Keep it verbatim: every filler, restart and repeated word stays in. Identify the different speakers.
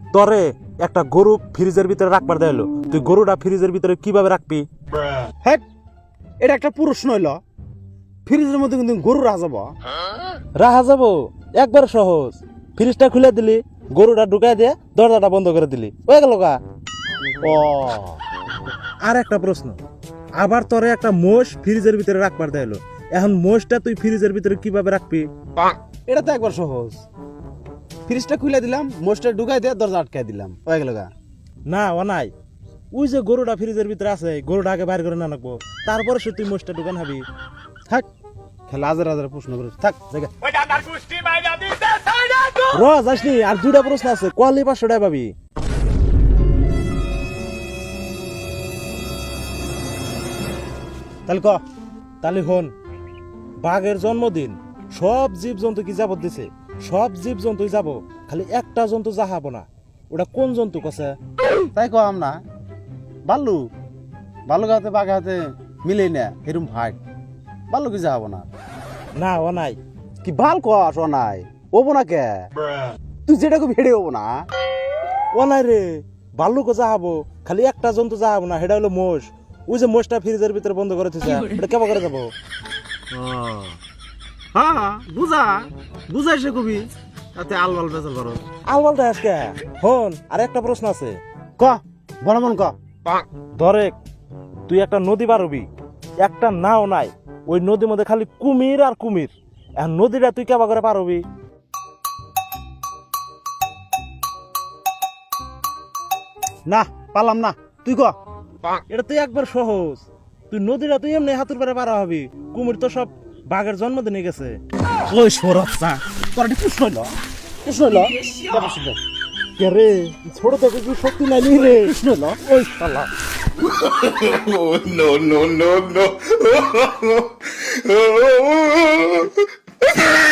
Speaker 1: তরে একটা গরু ফ্রিজের ভিতরে রাখবার দেয়লো, তুই গরুটা ফ্রিজের ভিতরে কিভাবে রাখবি?
Speaker 2: হ্যাঁ, এটা একটা প্রশ্ন হইল। ফ্রিজের মধ্যে কিন্তু গরু রাখা যাব?
Speaker 1: রাখা যাবো, একবার সহজ। ফ্রিজটা খুলে দিলি, গরুটা ঢুকাই দিয়ে দরজাটা বন্ধ করে দিলি, হয়ে গেল গা।
Speaker 2: ও
Speaker 1: আর একটা প্রশ্ন, আবার তোরে একটা মোষ ফ্রিজের ভিতরে রাখবার দেয়লো, এখন মোষটা তুই ফ্রিজের ভিতরে কিভাবে রাখবি?
Speaker 2: এটা তো একবার সহজ। ফ্রিজটা খুলে দিলাম, মোষটা ঢুকাই দিয়ে দরজা আটকাই দিলাম, হয়ে গেল গা।
Speaker 1: না ও নাই, ওই যে গরুটা ফ্রিজের ভিতরে আছে, গরুটা আগে বাইর করে না রাখবো, তারপরে সে তুই মোষটা ঢুকান হাবি।
Speaker 2: থাক, খেলা হাজার হাজার প্রশ্ন করে থাক জায়গা।
Speaker 1: র যাসনি, আর দুটা প্রশ্ন আছে, কোয়ালি পাঁচশো টাকা পাবি।
Speaker 2: তাহলে ক।
Speaker 1: তাহলে হন, বাঘের জন্মদিন, সব জীব জন্তু কি যাবত দিছে, সব জীব জন্তুই যাব, খালি একটা জন্তু যাহাবো না, ওটা কোন জন্তু কছে?
Speaker 2: তাই কম না, বাল্লু বাল্লুক হাতে বাঘ হাতে মিলে না এরম ভাই, বাল্লু কি যাবো না?
Speaker 1: না ও নাই।
Speaker 2: কি ভাল কস ও নাই, ওবো না কে? তুই যেটা খুব হেডে হবো না।
Speaker 1: ও নাই রে, ভাল্লুকও যাহাবো, খালি একটা জন্তু যাহাবো না, সেটা হলো মোষ। ওই যে মোষটা ফ্রিজের ভিতরে বন্ধ করে দিছে, এটা কেমন করে যাবো?
Speaker 2: হ্যাঁ বুঝা বুঝাই সে কবি, তাতে আলবাল বেচাল করো।
Speaker 1: আলবালটা আজকে হন। আর একটা প্রশ্ন আছে,
Speaker 2: ক বড় মন ক।
Speaker 1: ধরে তুই একটা নদী পারবি, একটা নাও নাই, ওই নদীর মধ্যে খালি কুমির আর কুমির, এখন নদীটা তুই কেবা করে পারবি?
Speaker 2: না পারলাম না, তুই ক।
Speaker 1: এটা তুই একবার সহজ, তুই নদীটা তুই এমনি হাতুর পারে পারা হবি, কুমির তো সব বাঘের জন্মদিনে গেছে।
Speaker 2: ওই সরফা তোর একটা প্রশ্ন হইল, প্রশ্ন হইল
Speaker 1: কে রে, ছোট থেকে কি শক্তি নাই নি রে?
Speaker 2: প্রশ্ন হইল ওই শালা।
Speaker 3: Oh, no, no, no, no.